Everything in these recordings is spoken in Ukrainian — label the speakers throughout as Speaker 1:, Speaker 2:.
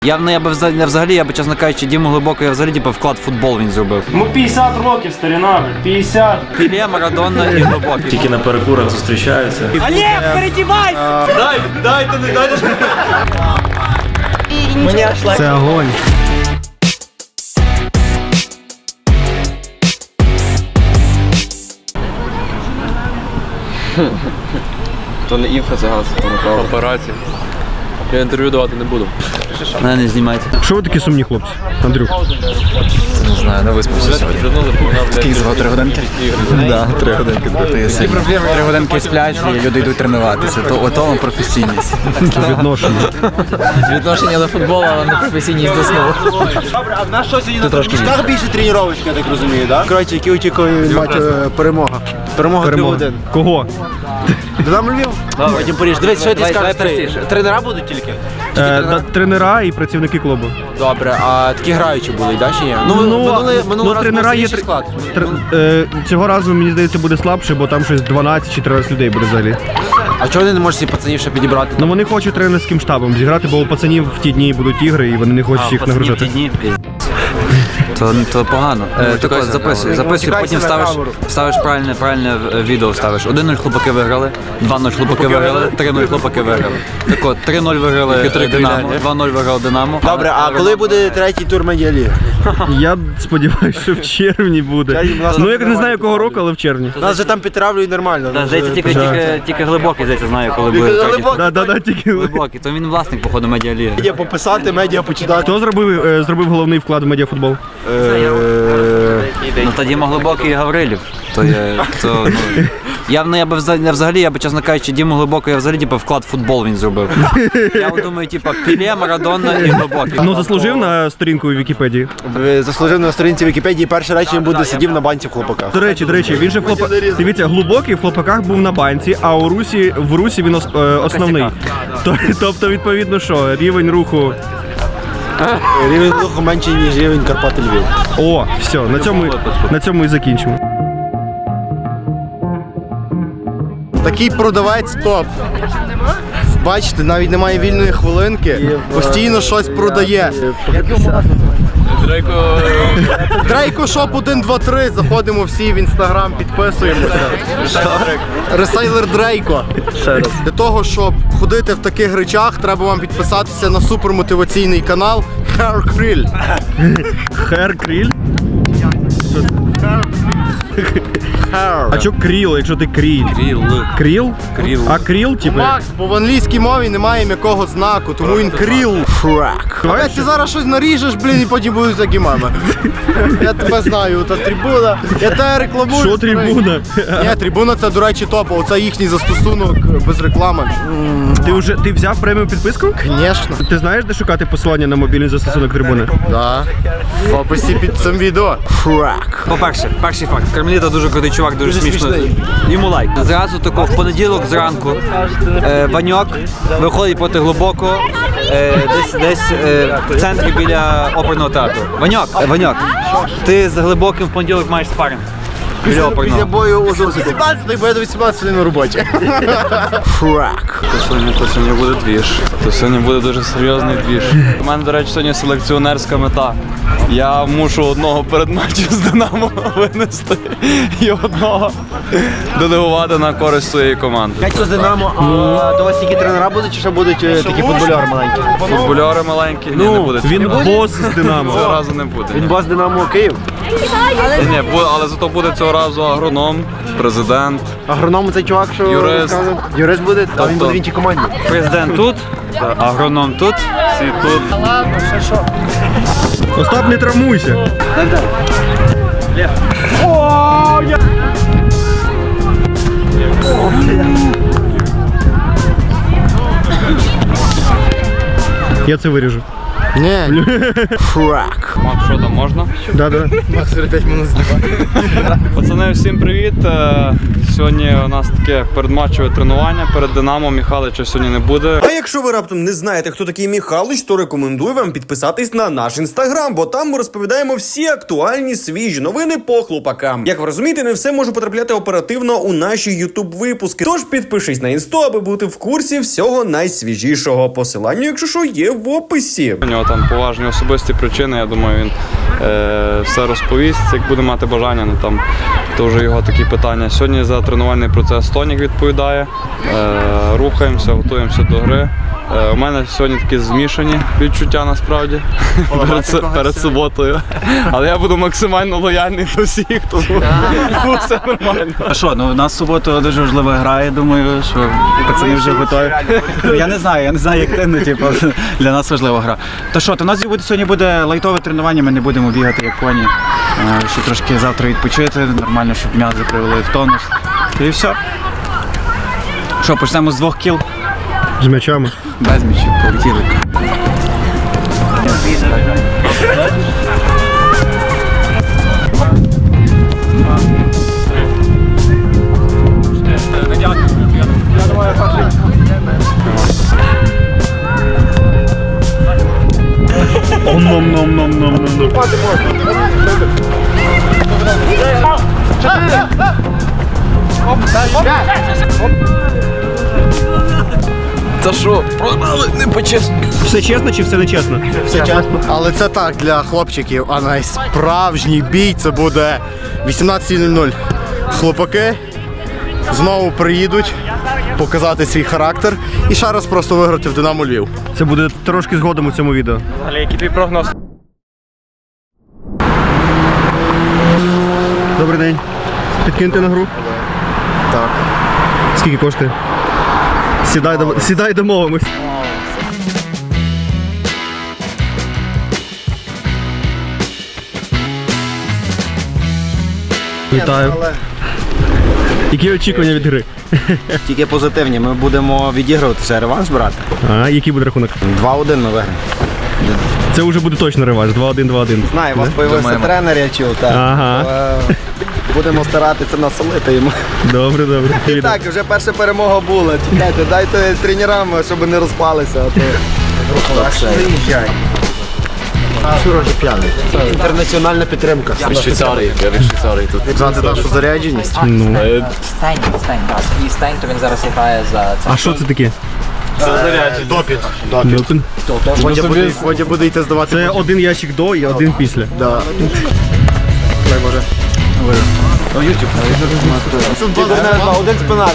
Speaker 1: Я би взагалі, чесно кажучи, Діму Глибоко, я взагалі вклад в футбол він зробив.
Speaker 2: Йому 50 років, старина, 50.
Speaker 1: Піле, Марадона і Глибокий.
Speaker 3: Тільки на перекурах зустрічаються.
Speaker 2: Олег, передівайся!
Speaker 3: Дайте.
Speaker 4: Це огонь.
Speaker 5: То не інфа, це газ. Папараці. Я інтерв'ю давати не буду.
Speaker 1: Мене не знімайте.
Speaker 4: Що ви такі сумні хлопці, Андрюх?
Speaker 5: Не знаю, не виспався сьогодні.
Speaker 6: Скільки звав 3 годинки?
Speaker 1: Да, 3 годинки.
Speaker 6: Які проблеми? 3 годинки сплять і люди йдуть тренуватися. То ото професійність.
Speaker 4: Відношення.
Speaker 5: Відношення до футболу, але не професійність до сну.
Speaker 7: Добре, а в нас щось сьогодні так більше тренувачка, я так розумію, так? Коротше, які очікує перемога. Перемога 3-1.
Speaker 4: Кого?
Speaker 7: Динамо Львів? Потім Париж. Дивись, що ти скажеш? Тренера будуть тільки?
Speaker 4: Тренера і працівники клубу.
Speaker 7: Добре, а такі граючі були, так чи ні? Минулого разу
Speaker 4: тренера є
Speaker 7: склад.
Speaker 4: Цього разу, мені здається, буде слабше, бо там щось 12 чи 13 людей буде взагалі.
Speaker 7: А чого вони не можуть собі пацанів ще підібрати?
Speaker 4: Ну вони хочуть тренерським штабом зіграти, бо у пацанів в ті дні будуть ігри і вони не хочуть їх нагружати.
Speaker 1: То погано. Так от, записуй, потім ставиш правильне відео ставиш. 1-0 хлопаки виграли, 2-0 хлопаки виграли, 3-0 хлопаки виграли. Так от, 3-0 виграли Динамо, 2-0 виграли Динамо.
Speaker 7: Добре, а коли буде третій тур Медіаліги?
Speaker 4: Я сподіваюся, що в червні буде. Ну, я не знаю, якого року, але в червні.
Speaker 7: Нас же там підтравлюють нормально.
Speaker 1: Здається, тільки Глибокий, знає, коли буде третій.
Speaker 4: Да, тільки
Speaker 1: Глибокий, то він власник, походу, Медіаліги.
Speaker 7: Медіа пописати, медіа почитати.
Speaker 4: Хто зробив головний вклад в медіафутбол?
Speaker 1: Ну тоді Глибокий і Гаврилів. Я взагалі, чесно кажучи, Діму Глибоко, я взагалі вклад в футбол він зробив. Я думаю, Піле, Марадона і Глибокий.
Speaker 4: Ну, заслужив на сторінку у Вікіпедії.
Speaker 7: Заслужив на сторінці Вікіпедії, перше речення буде сидів на банці в хлопаках.
Speaker 4: До речі, він же в хлопаках. Дивіться, Глибокий в хлопаках був на банці, а в Русі він основний. Тобто, відповідно, що рівень руху.
Speaker 7: Рівень руху менший, ніж рівень Карпати Львів.
Speaker 4: О, все, на цьому і закінчимо.
Speaker 7: Такий продавець топ. Бачите, навіть немає вільної хвилинки, постійно щось продає. Дрейко Шоп 1, 2, 3, заходимо всі в інстаграм, підписуємося. Ресейлер Дрейко. Для того, щоб ходити в таких речах, треба вам підписатися на супермотиваційний канал Hair Krill.
Speaker 4: Hair Krill? А чо кріл, якщо ти кріль? Кріл? А кріл, типу?
Speaker 7: Макс, бо в англійській мові немає м'якого знаку, тому він кріл. Шрек. А ти зараз щось наріжеш, блін, і потім будуть такі мами. Я тебе знаю, та трибуна. Я тебе рекламую.
Speaker 4: Що трибуна?
Speaker 7: Ні, трибуна це, до речі, топ. Оце їхній застосунок без реклами.
Speaker 4: Ти взяв преміум підписку?
Speaker 7: Звісно.
Speaker 4: Ти знаєш, де шукати посилання на мобільний застосунок трибуни?
Speaker 7: Так. В описі під цим відео. Шрек.
Speaker 1: По-перше, перший факт. Кармеліта дуже крутий чувак, дуже смішно. Йому лайк. Зразу тако в понеділок зранку Ваньок виходить проти Глибокого десь в центрі біля оперного театру. Ваньок, ти з Глибоким в понеділок маєш спаринг.
Speaker 7: Після бою у 18-й, бо я до 18-ї на роботі. Шрек.
Speaker 5: То сьогодні буде двіж. То сьогодні буде дуже серйозний двіж. У мене, до речі, сьогодні селекціонерська мета. Я мушу одного перед матчем з Динамо винести і одного делегувати на користь своєї команди.
Speaker 7: Що з Динамо, а до вас тільки тренера будуть, чи ще будуть такі футбольори маленькі?
Speaker 5: Футбольори маленькі? Ні, не буде.
Speaker 4: Він бос з Динамо.
Speaker 5: Цього разу не буде.
Speaker 7: Він бос Динамо Київ.
Speaker 5: Ні, але зато буде цього разу агроном, президент.
Speaker 7: Агроном цей чувак, що
Speaker 5: Юрист.
Speaker 7: Юрист буде, а він буде в іншій команді.
Speaker 1: Президент тут, агроном тут.
Speaker 5: Всі тут.
Speaker 4: Остап, не травмуйся. Я це виріжу.
Speaker 7: Ні. Шрек.
Speaker 5: Макс, що там, можна?
Speaker 4: Да.
Speaker 7: Макс 5 минут знімає.
Speaker 5: Пацани, всім привіт. Сьогодні у нас таке передматчеве тренування перед Динамо. Михайлича сьогодні не буде.
Speaker 8: А якщо ви раптом не знаєте, хто такий Михайлич, то рекомендую вам підписатись на наш інстаграм, бо там ми розповідаємо всі актуальні свіжі новини по хлопакам. Як ви розумієте, не все може потрапляти оперативно у наші ютуб-випуски. Тож підпишись на інсту, аби бути в курсі всього найсвіжішого. Посилання, якщо що, є в описі.
Speaker 5: У нього там поважні особисті причини, я думаю, він все розповість, як буде мати бажання, ну там то вже його такі питання. Сьогодні за тренувальний процес Тонік відповідає, рухаємося, готуємося до гри. У мене сьогодні такі змішані відчуття насправді перед суботою. Але я буду максимально лояльний до всіх, тому все нормально.
Speaker 6: А що, ну у нас в суботу дуже важлива гра, я думаю, що пацани вже готові. Я не знаю, як ти, ну типу, для нас важлива гра. То що, то у нас сьогодні буде лайтове тренування, ми не будемо бігати як коні. Ще трошки завтра відпочити, нормально, щоб м'язи привели в тонус. І все. Що, почнемо з 2 кіл?
Speaker 4: З м'ячами.
Speaker 6: Без м'ячів, полетіли.
Speaker 5: Та що, програли, не почесно.
Speaker 4: Все чесно чи все нечесно?
Speaker 7: Все чесно. Але це так, для хлопчиків, а найсправжній бій це буде 18:00. Хлопаки знову приїдуть показати свій характер і ще раз просто виграти в Динамо Львів.
Speaker 4: Це буде трошки згодом у цьому відео.
Speaker 2: Але який твій прогноз?
Speaker 4: Добрий день. Підкиньте на гру?
Speaker 7: Так.
Speaker 4: Скільки коштує? Сідай, домовимось. Вітаю. Які очікування від гри?
Speaker 9: Тільки позитивні. Ми будемо відігрувати ще реванш брати.
Speaker 4: А, який буде рахунок?
Speaker 9: 2-1 ми виграємо.
Speaker 4: Це вже буде точно реванш. 2-1.
Speaker 9: Знаю, у вас появився тренер, я чув. Так.
Speaker 4: Ага.
Speaker 9: Будемо старатися насолити йому.
Speaker 4: Добре.
Speaker 9: І так, вже перша перемога була. Чекайте, дайте тренерам, щоб не розпалися. Приїжджай. Шурожі п'яний. Інтернаціональна підтримка.
Speaker 3: Я від Швейцарії тут.
Speaker 7: Знати нашу зарядженість.
Speaker 4: Ну.
Speaker 10: Стань, так. І стань, то він зараз грає за це.
Speaker 4: А що це таке?
Speaker 7: Допіт.
Speaker 4: Допінг?
Speaker 7: Водя буде йти здавати.
Speaker 4: Це один ящик до і один після.
Speaker 7: Да. Дай Боже.
Speaker 9: Один з пенальті.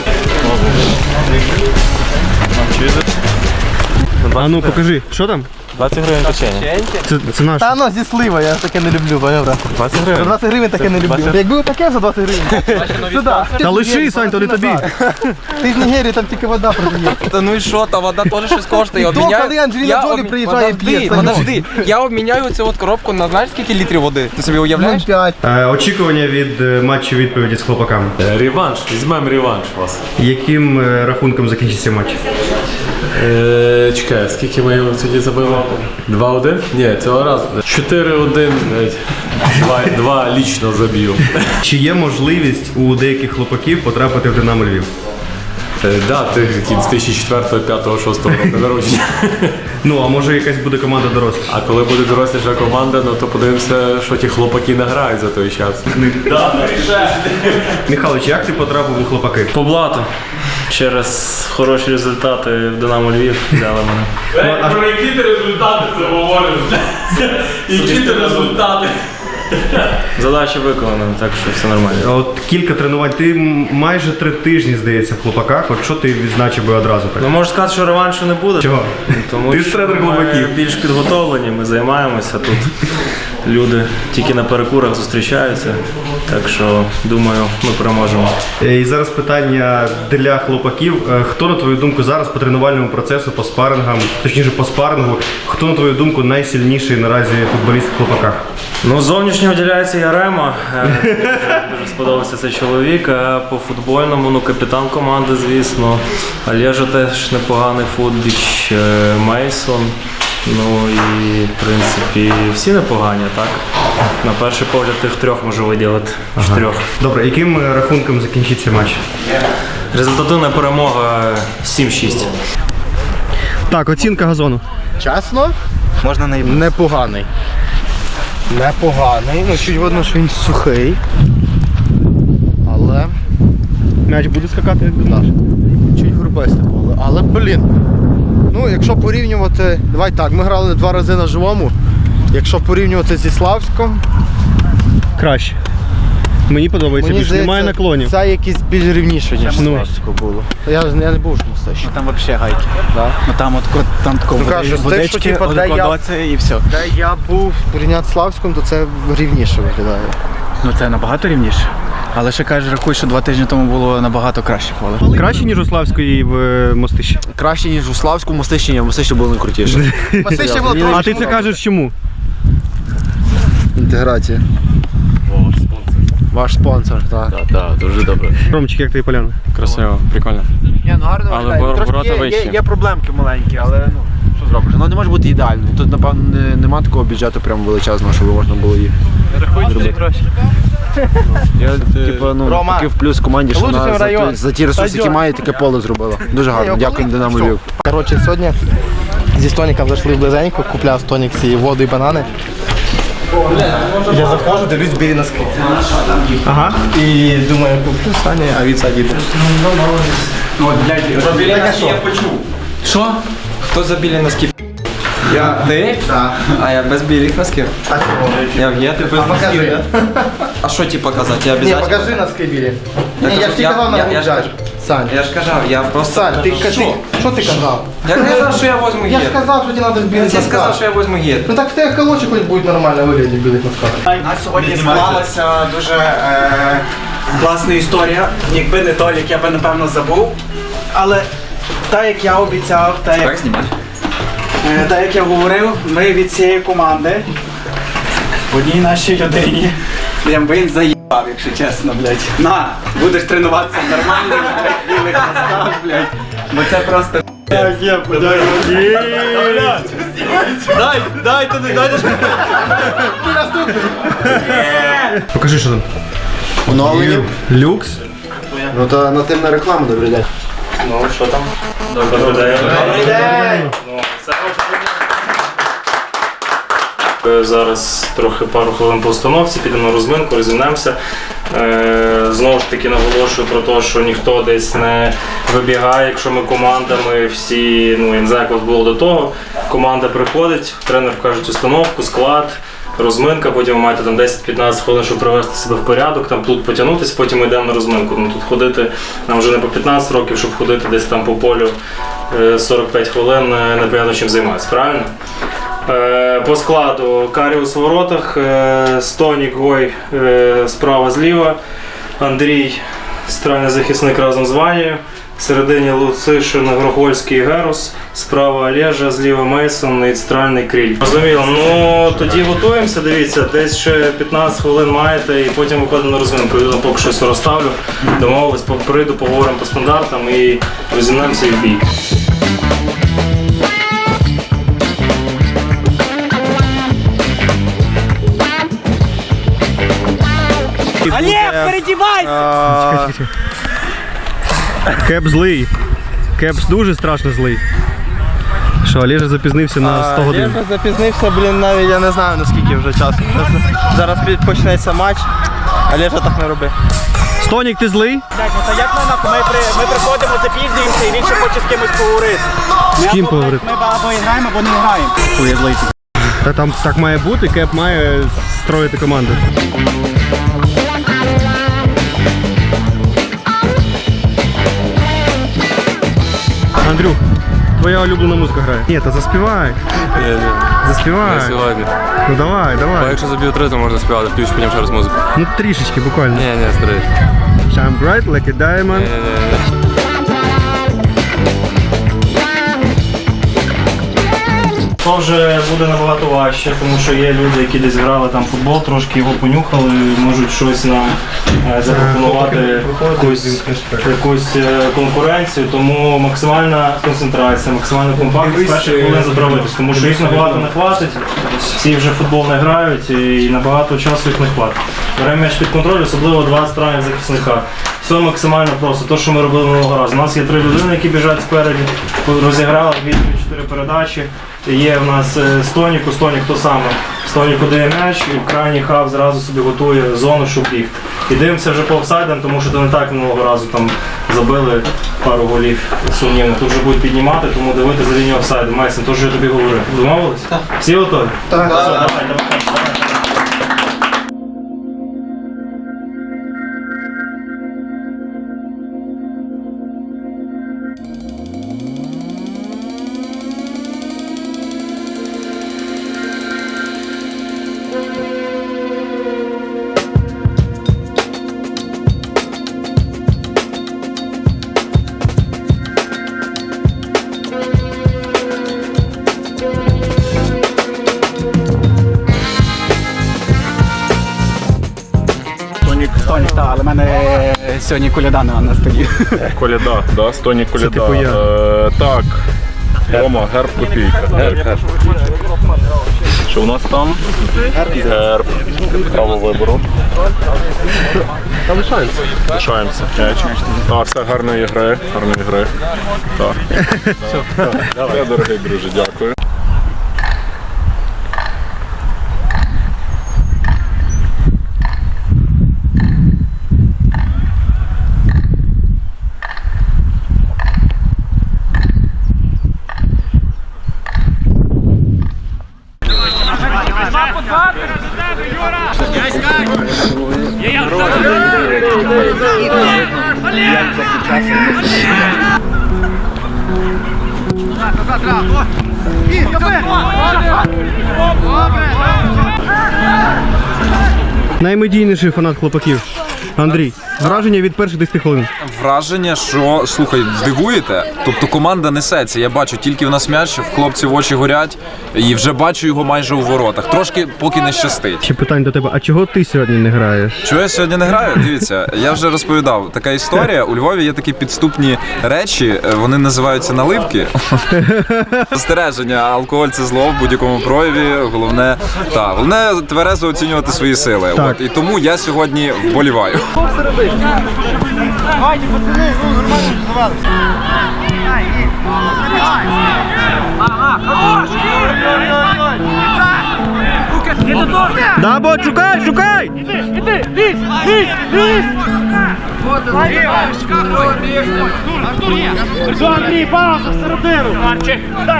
Speaker 4: А ну покажи, що там?
Speaker 3: 20 гривень печення.
Speaker 4: Це наш.
Speaker 7: Та ну, зі слива, я таке не люблю, понятно?
Speaker 3: 20 гривень?
Speaker 7: 20 гривень таке не люблю. Якби таке за 20 гривень. Сюди.
Speaker 4: Та лиши, Сань, то не тобі.
Speaker 7: Ти з Нігерії, там тільки вода продає.
Speaker 10: Та ну і що, та вода теж щось коштує.
Speaker 7: То, коли Анджеліна Джолі приїжджає, п'є.
Speaker 10: Подожди, я обміняю цю от коробку на знаєш скільки літрів води? Ти собі уявляєш?
Speaker 7: 0,5.
Speaker 4: Очікування від матчу відповіді з хлопаками.
Speaker 3: Реванш, візьмемо реванш вас.
Speaker 4: Яким рахунком закінчиться матч?
Speaker 3: Чекай, скільки ми тоді забили? 2-1? Ні, цього разу. 4-1, 2 лічно заб'ю.
Speaker 4: Чи є можливість у деяких хлопаків потрапити в Динамо Львів?
Speaker 3: Да, ти з 2004, 5, 6 року народження.
Speaker 4: Ну, а може якась буде команда дорослих?
Speaker 3: А коли буде доросліша команда, ну то подивимося, що ті хлопаки награють за той час.
Speaker 4: Михайлович, як ти потрапив у хлопаки?
Speaker 2: По блату. Через хороші результати в Динамо Львів взяли мене.
Speaker 3: Про які ти результати це говориш? Які ти результати?
Speaker 2: Задача виконана, так що все нормально.
Speaker 4: От кілька тренувань. Ти майже 3 тижні, здається, в хлопаках. От що ти відзначив би одразу так?
Speaker 2: Ну можу сказати, що реваншу не буде.
Speaker 4: Чого?
Speaker 2: Тому
Speaker 4: Ти ж
Speaker 2: що
Speaker 4: тренер
Speaker 2: ми
Speaker 4: хлопаків.
Speaker 2: більш підготовлені, ми займаємося тут. Люди тільки на перекурах зустрічаються, так що думаю, ми переможемо.
Speaker 4: І зараз питання для хлопаків. Хто, на твою думку, зараз по тренувальному процесу, по спарингам, точніше по спарингу, хто, на твою думку, найсильніший наразі футболіст в хлопаках?
Speaker 2: Ну, зовнішньо виділяється Ярема. Дуже сподобався цей чоловік. А по футбольному, ну, капітан команди, звісно. Олежа теж непоганий футбіч. Мейсон. Ну і в принципі всі непогані, так? На перший погляд тих трьох можу виділити. Чотирьох.
Speaker 4: Добре, яким рахунком закінчиться матч?
Speaker 2: Результативна перемога 7-6.
Speaker 4: Так, оцінка газону.
Speaker 7: Чесно?
Speaker 6: Можна не
Speaker 7: Непоганий. Непоганий. Ну, чуть видно, що він сухий. Але
Speaker 4: М'яч буде скакати як до наш.
Speaker 7: чуть грубисте поле. Але, блін. Ну, якщо порівнювати. Давай так, ми грали 2 рази на живому. Якщо порівнювати зі Славськом,
Speaker 4: Краще. Мені подобається
Speaker 7: мені
Speaker 4: більше. Немає
Speaker 7: здається,
Speaker 4: наклонів.
Speaker 7: це якийсь більш рівніше, ніж
Speaker 4: Ну.
Speaker 7: Славську було. Я не був ж мостищі.
Speaker 6: там взагалі гайки.
Speaker 7: Да.
Speaker 6: Ну там тако
Speaker 7: Ну, кажу, з тих, що, типу, де я-
Speaker 6: і все.
Speaker 7: Де я був порівняти з Славськом, то це рівніше виглядає.
Speaker 6: Ну це набагато рівніше. Але ще кажеш, рахуй, що 2 тижні тому було набагато краще поле.
Speaker 4: Краще, ніж у Славської в Мостищі.
Speaker 9: Краще, ніж у Славську, Мостищі, ні, Мостище було найкрутіше.
Speaker 7: Мостище було
Speaker 4: А ти це кажеш чому?
Speaker 7: Інтеграція. Ваш спонсор, так.
Speaker 3: Так, дуже добре.
Speaker 4: Ромчик, як тобі поляна?
Speaker 5: Красиво, прикольно.
Speaker 10: Ні, ну гарно
Speaker 5: Але
Speaker 10: виглядає.
Speaker 5: ворота
Speaker 10: Трошки
Speaker 5: вищі.
Speaker 10: є проблемки маленькі, але ну, що зробиш?
Speaker 9: Воно не може бути ідеальним. Тут, напевно, нема такого бюджету прям величезного, щоб можна було їх. Я, типу, ну,
Speaker 10: Рома,
Speaker 9: такий в плюс команді, що
Speaker 10: лучший
Speaker 9: вона
Speaker 10: район.
Speaker 9: за ті ресурси, які має, таке поле зробила. Дуже гарно. Дякую Динамо Львів.
Speaker 7: Коротше, сьогодні зі Стоніком зайшли в близенько, купляв Стонік ці воду і банани. Я заходжу, дивлюсь білі носки.
Speaker 4: Ага.
Speaker 7: І думаю, куплю Сані, а від Саді.
Speaker 10: Що? Хто за білі носки? Я? Ти?
Speaker 7: Так.
Speaker 10: А я без білих носків. Я ти без носків. А що ті показати? Я
Speaker 7: Ні,
Speaker 10: обов'язково.
Speaker 7: покажи носки білі.
Speaker 10: Я
Speaker 7: Ні, я
Speaker 10: кажу,
Speaker 7: ж ти
Speaker 10: я-
Speaker 7: казав на
Speaker 10: я-
Speaker 7: рук
Speaker 10: я ж
Speaker 7: взяти.
Speaker 10: кажу.
Speaker 7: Сань,
Speaker 10: Я ж казав, я просто...
Speaker 7: Сань, що ти казав?
Speaker 10: Я казав, що я возьму
Speaker 7: Я ж
Speaker 10: гір.
Speaker 7: казав, що тобі треба в
Speaker 10: Я
Speaker 7: білих
Speaker 10: тебе сказав, що
Speaker 7: носках.
Speaker 10: я возьму гір.
Speaker 7: Ну так в тебе колочі хоч будуть нормально вигляді в білих носках.
Speaker 6: У нас сьогодні склалася дуже класна історія. Якби не Толік, я би напевно забув. Але так як я обіцяв, так як я говорив, ми від цієї команди в одній нашій людині. Блін, він заїбав, якщо чесно, блядь. На, будеш тренуватися в нормальних, блядь, білих носках, блядь. Бо це просто...
Speaker 4: Покажи, що там.
Speaker 7: Оновлені.
Speaker 4: Люкс.
Speaker 7: Ну то на тим на рекламу, добрий день.
Speaker 2: Ну, що там? Добрий день. Зараз трохи пару хвилин по установці, підемо на розминку, розімнемося. Знову ж таки наголошую про те, що ніхто десь не вибігає, якщо ми командами всі, ну я не знаю, як було до того. Команда приходить, тренер кажуть установку, склад, розминка, потім ви маєте там 10-15 хвилин, щоб привести себе в порядок, там тут потягнутися, потім ми йдемо на розминку. Ну, тут ходити нам вже не по 15 років, щоб ходити десь там по полю 45 хвилин, непонятно чим займатися, правильно? По складу Каріус у воротах, Стонік, Гой справа зліва, Андрій центральний захисник разом з Ванією, в середині Луцишин, Грохольський і Герус, справа Олежа, зліва Мейсон і центральний Кріль. Розуміло, ну тоді готуємося, дивіться, десь ще 15 хвилин маєте і потім виходимо на розминку. Я поки що все розставлю, домовились, прийду, поговоримо по стандартам і розімнемося і в бій.
Speaker 4: Олег, передівайся! Кеп злий. Кеп дуже страшно злий. Що, Олежа запізнився на 100 годин.
Speaker 7: Я запізнився, блін, навіть я не знаю наскільки вже часу. Зараз почнеться матч, але ж так не роби.
Speaker 4: Стонік, ти злий?
Speaker 6: Ну то як ми приходимо, запізнюємося і він ще хоче з кимось поговорити.
Speaker 4: З ким поговорити?
Speaker 6: Ми або граємо, або не граємо. Коли я злий.
Speaker 4: Та там так має бути, Кеп має строїти команду. Андрюх, твоя улюблена музика грає. Ні, та заспівай. Заспівай.
Speaker 5: Сьогодні.
Speaker 4: Ну давай,
Speaker 5: А
Speaker 4: давай.
Speaker 5: якщо заб'ю 3, то можна співати, включу потім ще раз музику.
Speaker 4: Ну трішечки буквально.
Speaker 5: Ні, старий.
Speaker 4: Shine bright like a diamond.
Speaker 2: то вже буде набагато важче, тому що є люди, які десь грали там футбол, трошки його понюхали, можуть щось нам запропонувати, якусь конкуренцію, тому максимальна концентрація, максимальна компактність перших хвилин затравитись, тому що їх набагато не хватить, всі вже в футбол не грають і набагато часу їх не хватить. Беремо м'яч під контроль, особливо два центральних захисника. Все максимально просто, те, що ми робили минулого разу. У нас є 3 людини, які біжать спереді, розіграли 2-4 передачі. Є в нас Стонік то саме. Стоніку дає м'яч, і крайній хав зразу собі готує зону, щоб бігти. І дивимося вже по офсайдам, тому що то не так минулого разу там забили пару голів сумнівних. Тут вже будуть піднімати, тому дивити за лінію офсайду. Майсен, то, що я тобі говорив. Домовились? Так. Всі готові? Так. Давай.
Speaker 6: Стонік, так, але в мене сьогодні коляда на столі.
Speaker 11: Коляда, да, Стонік коляда.
Speaker 4: Це типу я.
Speaker 11: Так, Рома, герб копійка. Герб. Що у нас там? Герб. Право вибору. Лишаємося. Так, все, гарної гри. Так. Все, дорогий друже, дякую.
Speaker 4: Наймедійніший фанат хлопаків. Андрій, враження від перших 10 хвилин.
Speaker 5: Враження, що, слухай, дивуєте? Тобто команда несеться. Я бачу, тільки в нас м'яч, в хлопців очі горять, і вже бачу його майже у воротах. Трошки поки не щастить.
Speaker 4: Ще питання до тебе, а чого ти сьогодні не граєш?
Speaker 5: Чого я сьогодні не граю? Дивіться, я вже розповідав. Така історія. У Львові є такі підступні речі, вони називаються наливки. Застереження, алкоголь – це зло в будь-якому прояві. Головне тверезо оцінювати свої сили. От, і тому я сьогодні вболіваю.
Speaker 4: Да, бот, шукай!
Speaker 2: Андрій, пауза всередину! Марчик, дай!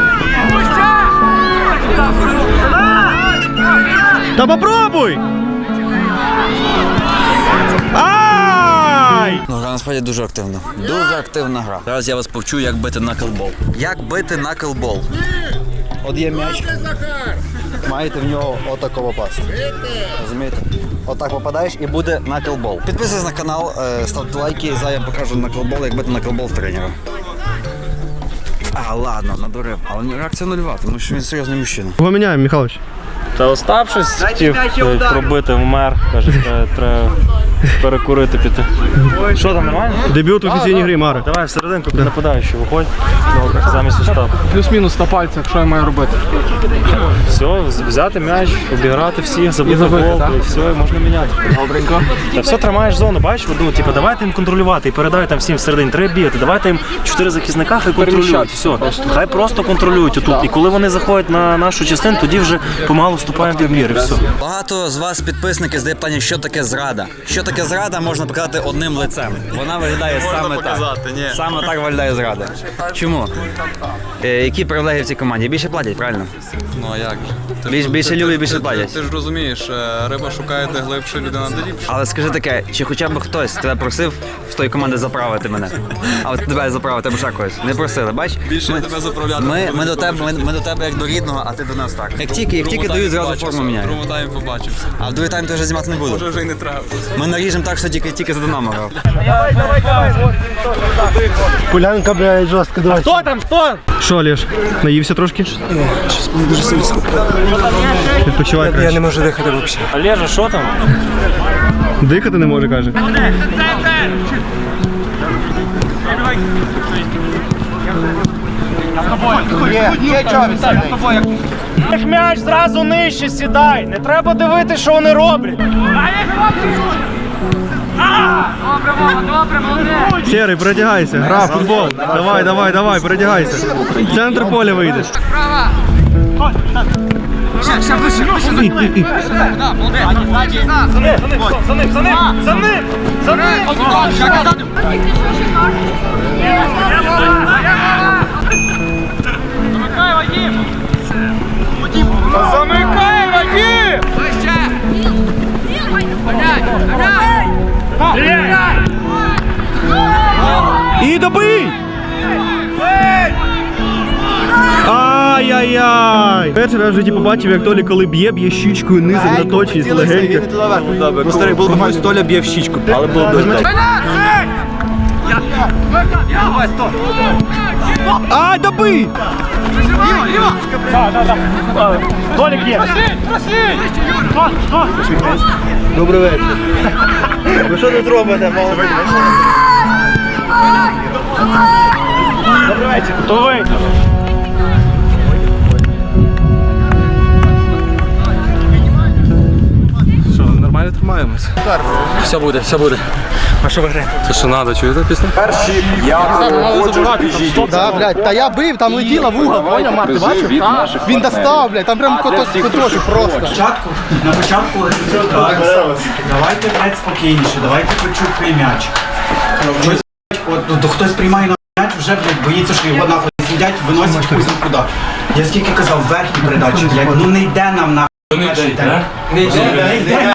Speaker 4: Та попробуй!
Speaker 1: Ну, гра насправді дуже активна. Дуже активна гра. Зараз я вас повчу, як бити наклбол. Як бити наклбол.
Speaker 9: От є м'яч, маєте в нього отако попасти. Розумієте? Отак попадаєш і буде
Speaker 1: Наклбол. Підписуйтесь на канал, ставте лайки, зараз я покажу наклбол, як бити наклбол в тренера. Ладно, надурив. Але реакція нульова, тому що він серйозний мужчина.
Speaker 4: Кого міняємо, Михайлович?
Speaker 2: Та Остап щось хотів пробити, вмер. Каже, треба перекурити піти. Що там, нормально?
Speaker 4: Дебют в офіційній грі, Мари.
Speaker 2: Давай всерединку під нападаючий, виходь. Замість Остапа.
Speaker 6: Плюс-мінус на пальцях, що я маю робити?
Speaker 2: Все, взяти м'яч, обіграти всіх, забити гол, і все, і можна міняти.
Speaker 6: Добренько.
Speaker 2: Та все, тримаєш зону, бачиш, типу, давайте їм контролювати і передай там всім всередині, треба бігати, давайте їм 4 захисника, хай контролюють, все, хай просто контролюють тут. І коли вони заходять на нашу частину, тоді вже помалу вступаємо в відбір, і все.
Speaker 1: Багато з вас підписники задають питання, що таке зрада. Що таке зрада, можна показати одним лицем. Вона виглядає саме так. Саме так виглядає зрада. Чому? Які привілегії в цій команді? Більше платять, правильно?
Speaker 5: Ну а як же?
Speaker 1: Більше люблять, більше платять.
Speaker 5: Ти ж розумієш, риба шукає де глибше, людина де ліпше.
Speaker 1: Але скажи таке, чи хоча б хтось тебе просив в тої команди заправити мене? А от тебе заправити або ще когось? Не просили, бач?
Speaker 5: Більше тебе заправляти.
Speaker 1: Ми до тебе як до рідного, а ти до нас так. Як тільки дають, зразу форму міняють.
Speaker 5: Другому таймі побачимося.
Speaker 1: А в другий тайм ти вже знімати не буду.
Speaker 5: Може вже й не треба.
Speaker 1: Ми наріжемо так, що тільки за Динамо грав.
Speaker 7: Полянка, блядь, жорстко, давай. Хто там, хто?
Speaker 4: Що, Олеж, наївся трошки? Ні, щось дуже сильно. Відпочивай краще.
Speaker 10: Я не можу дихати взагалі.
Speaker 2: Олежа, що там?
Speaker 4: Дихати не може, каже.
Speaker 12: М'яч зразу нижче сідай, не треба дивитися, що вони роблять.
Speaker 4: Серий, передягайся, гра в футбол. Давай, передягайся. В центр поля вийдеш.
Speaker 12: Замикай, Вадим!
Speaker 4: І добий! Ай-яй-яй! Перший раз в житті побачив, як Толя, коли б'є щічкою низом на точність, легенько.
Speaker 10: Ну, старий, було б щось, Толя б'є в щічку, але було б дуже.
Speaker 4: Ай, добий!
Speaker 12: Толік є!
Speaker 7: Добрий вечір. Ви що тут робите, молодий?
Speaker 12: Добрий вечір! То ви!
Speaker 5: Що, нормально тримаємось?
Speaker 10: Все буде, все буде.
Speaker 12: А що ви граєте?
Speaker 5: Це що надо, чуєте пісню?
Speaker 7: Да, блядь, та я бив, там летіла в угол, поняв, Марк, ти бачив? Він достав, блядь, там прям коточок просто.
Speaker 6: На початку давайте, блядь, спокійніше, давайте почухай м'яч. Щось, от, хтось приймає на м'яч, вже, блядь, боїться, що його нахуй сидять, виносять хуй куди. Я скільки казав, верхні передачі, блядь, ну не йде нам нахуй. Не йде.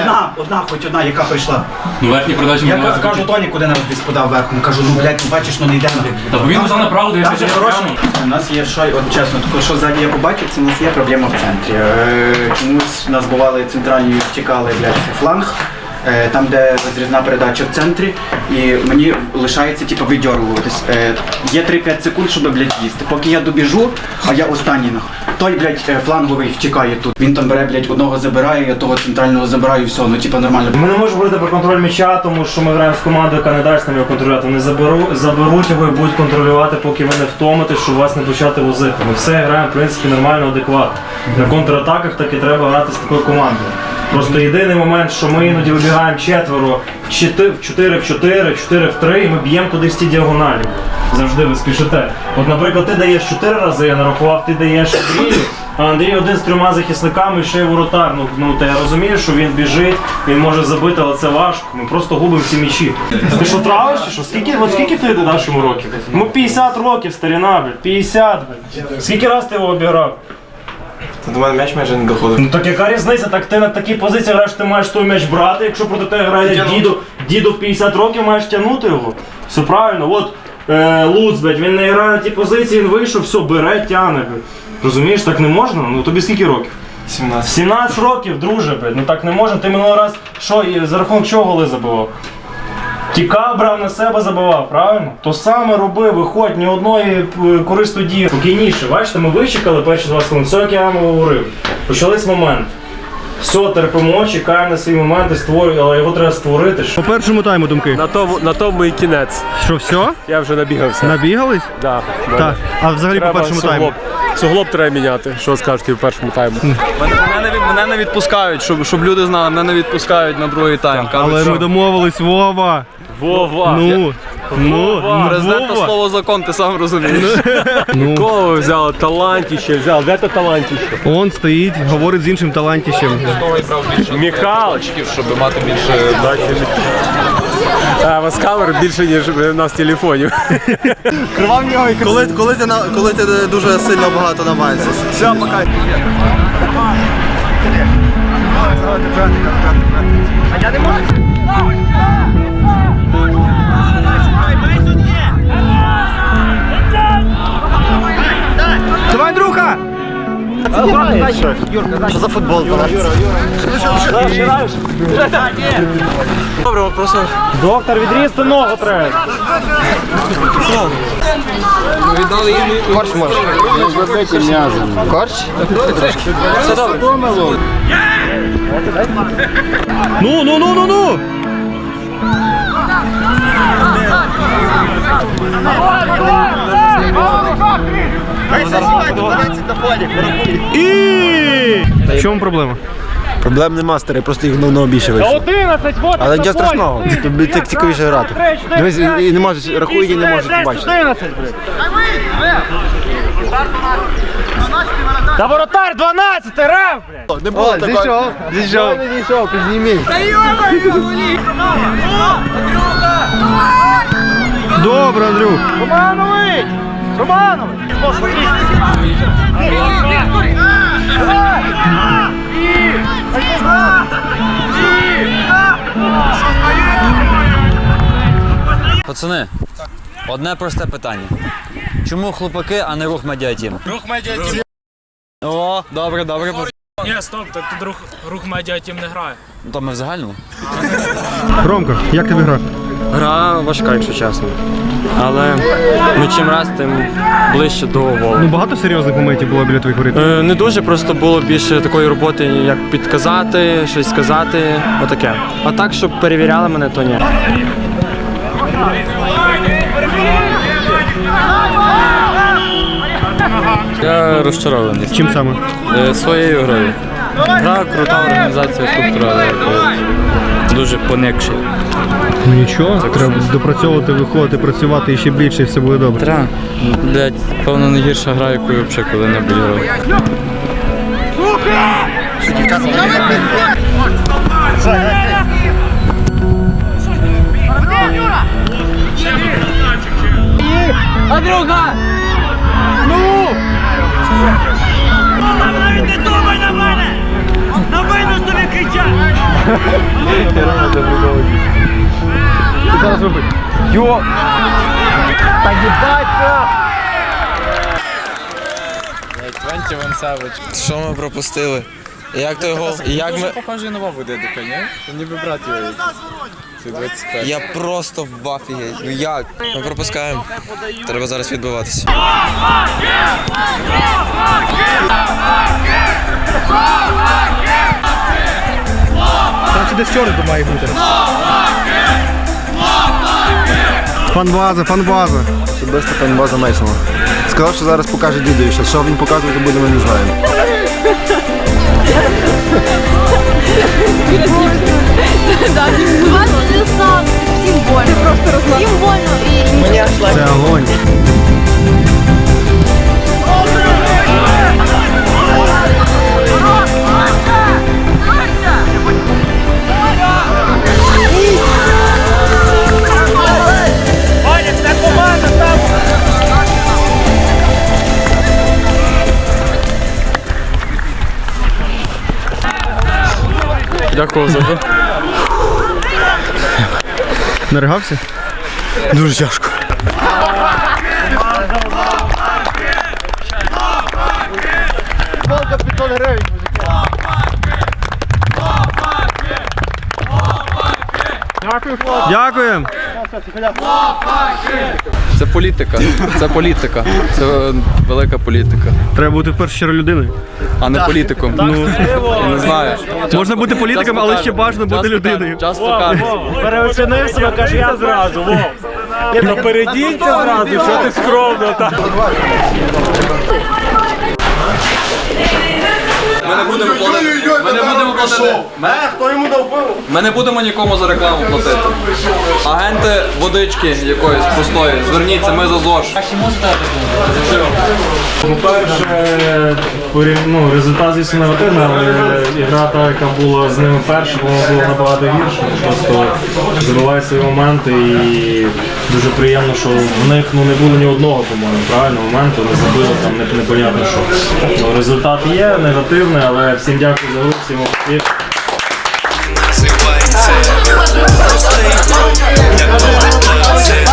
Speaker 6: Хоч одна, яка прийшла.
Speaker 5: Ну верхні передачі
Speaker 6: Я кажу Тоні, куди нас десь подав верхом. Кажу, ну блядь, бачиш, ну не йде нам.
Speaker 5: Та він вже направо дивиться.
Speaker 6: У нас є що, от чесно, таке, що ззаді я побачив, це у нас є проблема в центрі. Чомусь у нас бували центральні втікали, блядь, фланг. Там, де розрізна передача в центрі, і мені лишається типу, видьоргуватись. Є 3-5 секунд, щоб, блядь, їсти. Поки я добіжу, а я останній нах. Той, блядь, фланговий втікає тут. Він там бере, блядь, одного забирає, я того центрального забираю, і все, ну типу нормально.
Speaker 2: Ми не можемо говорити про контроль м'яча, тому що ми граємо з командою, яка не дасть нам його контролювати. Вони заберуть його і будуть контролювати, поки ви не втомитесь, щоб вас не почати возити. Ми все граємо, в принципі, нормально, адекватно. На контратаках так і треба грати з такою командою. Просто єдиний момент, що ми іноді вибігаємо четверо, в 4 в 4, 4 в 3, і ми б'ємо туди в ті діагоналі. Завжди ви спішите. От, наприклад, ти даєш 4 рази, я нарахував, ти даєш Андрію, а Андрій один з 3 захисниками і ще й воротар. Ну, та я розумію, що він біжить, він може забити, але це важко. Ми просто губимо ці м'ячі. Ти що, травиш чи що? Скільки ти даш йому років? Ну 50 років, старіна, блядь, 50, блядь. Скільки раз ти його обіграв?
Speaker 10: До мене м'яч майже не доходив.
Speaker 2: Ну так яка різниця? Так ти на такій позиції граєш, ти маєш той м'яч брати, якщо проти тебе грає діду в 50 років, маєш тягнути його. Все правильно, от Луц, блядь, він не грає на тій позиції, він вийшов, все, бере, тягне, блядь. Розумієш, так не можна? Ну тобі скільки років?
Speaker 10: 17.
Speaker 2: 17 років, друже, блядь, ну так не можна. Ти минулий раз, що, за рахунок чого голи забивав? Тікав, брав на себе, забивав, правильно? То саме роби, виходь, ні одної корисної дії. Спокійніше, бачите, ми вичекали перші 20 хвилин, все, як я вам говорив. Почались моменти. Все, терпимо, чекаємо на свої моменти, створюємо, але його треба створити.
Speaker 4: По першому тайму думки.
Speaker 3: На тому і кінець.
Speaker 4: Що, все?
Speaker 3: Я вже набігався.
Speaker 4: Набігались?
Speaker 3: Да.
Speaker 4: Так. А взагалі по першому тайму?
Speaker 3: Суглоб треба міняти. Що скажете в першому тайму?
Speaker 5: Мене не відпускають, щоб люди знали, мене не відпускають на другий тайм.
Speaker 4: Але ми домовились, Вова.
Speaker 3: Вова!
Speaker 5: Президента слово закон, ти сам розумієш.
Speaker 3: Кого ви взяли? Талантіще взяв. Де то талантіще?
Speaker 4: Он стоїть, говорить з іншим талантищем.
Speaker 3: Михайлович.
Speaker 5: Щоб мати більше
Speaker 3: У вас камер більше, ніж у нас телефонів.
Speaker 7: Коли ти дуже сильно багато намагаєшся.
Speaker 3: Все, пока.
Speaker 4: Давай, друга!
Speaker 7: Що за футбол?
Speaker 12: Добре, просто. Доктор, відрізти ногу треба.
Speaker 7: Корч може. Корч?
Speaker 12: Все добре.
Speaker 4: Ну! І в чому проблема?
Speaker 9: Проблем нема, старий, просто їх давно більше вийшло.
Speaker 12: 11, вот.
Speaker 9: Але нічого страшного, тобі так цікавіше грати. Дивись, і не можеш, рахують і не можуть бачити.
Speaker 12: 11, блядь. Та воротар 12, рев, блядь.
Speaker 7: Не було такого.
Speaker 9: Зійшов.
Speaker 7: Не зійшов, підніміть.
Speaker 4: Добре, Андрюх.
Speaker 12: Романович! Романович!
Speaker 1: Пацани, одне просте питання. Чому хлопаки, а не рух медіатім?
Speaker 12: Рух медіатім.
Speaker 1: О, добре.
Speaker 12: Ні, стоп, так тут рух медіатім не грає.
Speaker 1: Ну, то ми в загальному.
Speaker 4: Ромка, як тобі гра?
Speaker 13: Гра важка, якщо чесно. Але чим раз, тим ближче до голу.
Speaker 4: Ну багато серйозних моментів було біля твоїх воріт?
Speaker 13: Не дуже, просто було більше такої роботи, як підказати, щось сказати, отаке. А так, щоб перевіряли мене, то ні. Я розчарований.
Speaker 4: Чим саме?
Speaker 13: Своєю грою. Гра, крута організація, структура, але дуже поникші.
Speaker 4: Ну нічого, треба допрацьовувати, виходити, працювати і ще більше, і все буде добре.
Speaker 13: Треба. Блять, певно, не гірша гра, яку я взагалі коли-небудь грав.
Speaker 12: Андрюха! Ну! Навіть не думай на мене! На вину тобі кричать!
Speaker 7: Зараз робить. Йо! Та їбать!
Speaker 5: Квенті Вансевич. Що ми пропустили? Як той гол? Як ми... Похоже нова буде така, ні? Ніби брат його. Я просто в афігеть. Ну як? Ми пропускаємо. Треба зараз відбиватися.
Speaker 4: Там ще десь чорний має бути. Фан-база.
Speaker 9: Особисто фан-база Мейсона. Сказав, що зараз покаже дідові, що він показувати буде, ми не знаємо.
Speaker 14: Всім больно. Всім больно.
Speaker 4: Це огонь.
Speaker 12: Ваня, це команда там!
Speaker 13: Дякую за гру.
Speaker 4: Наригався?
Speaker 9: Дуже тяжко.
Speaker 7: Волка 500 гривень.
Speaker 4: Дякуємо.
Speaker 5: Це політика. Це велика політика.
Speaker 4: Треба бути в першу чергу людиною.
Speaker 5: А не політиком. Ну, я не знаю.
Speaker 4: Можна бути політиком, але ще бажано бути людиною.
Speaker 5: Час покаже.
Speaker 12: Переоцінив себе, каже, я зразу, Вов. Напередіться зразу, що ти скромно так.
Speaker 5: Ми не будемо платити.
Speaker 7: Хто йому дав пиво?
Speaker 5: Ми не будемо нікому за рекламу платити. Агенти водички якоїсь простої. Зверніться, ми за ЗОЖ.
Speaker 2: По-перше, результат звісно негативний, але гра та, яка була з ними перша, вона була набагато гірша. Просто забивають свої моменти і дуже приємно, що в них не було ні одного, по-моєму, правильно, моменту, не забили, там непонятно що. Результат є негативний, але всім дякую за гру, всім успіх.
Speaker 15: Простий, як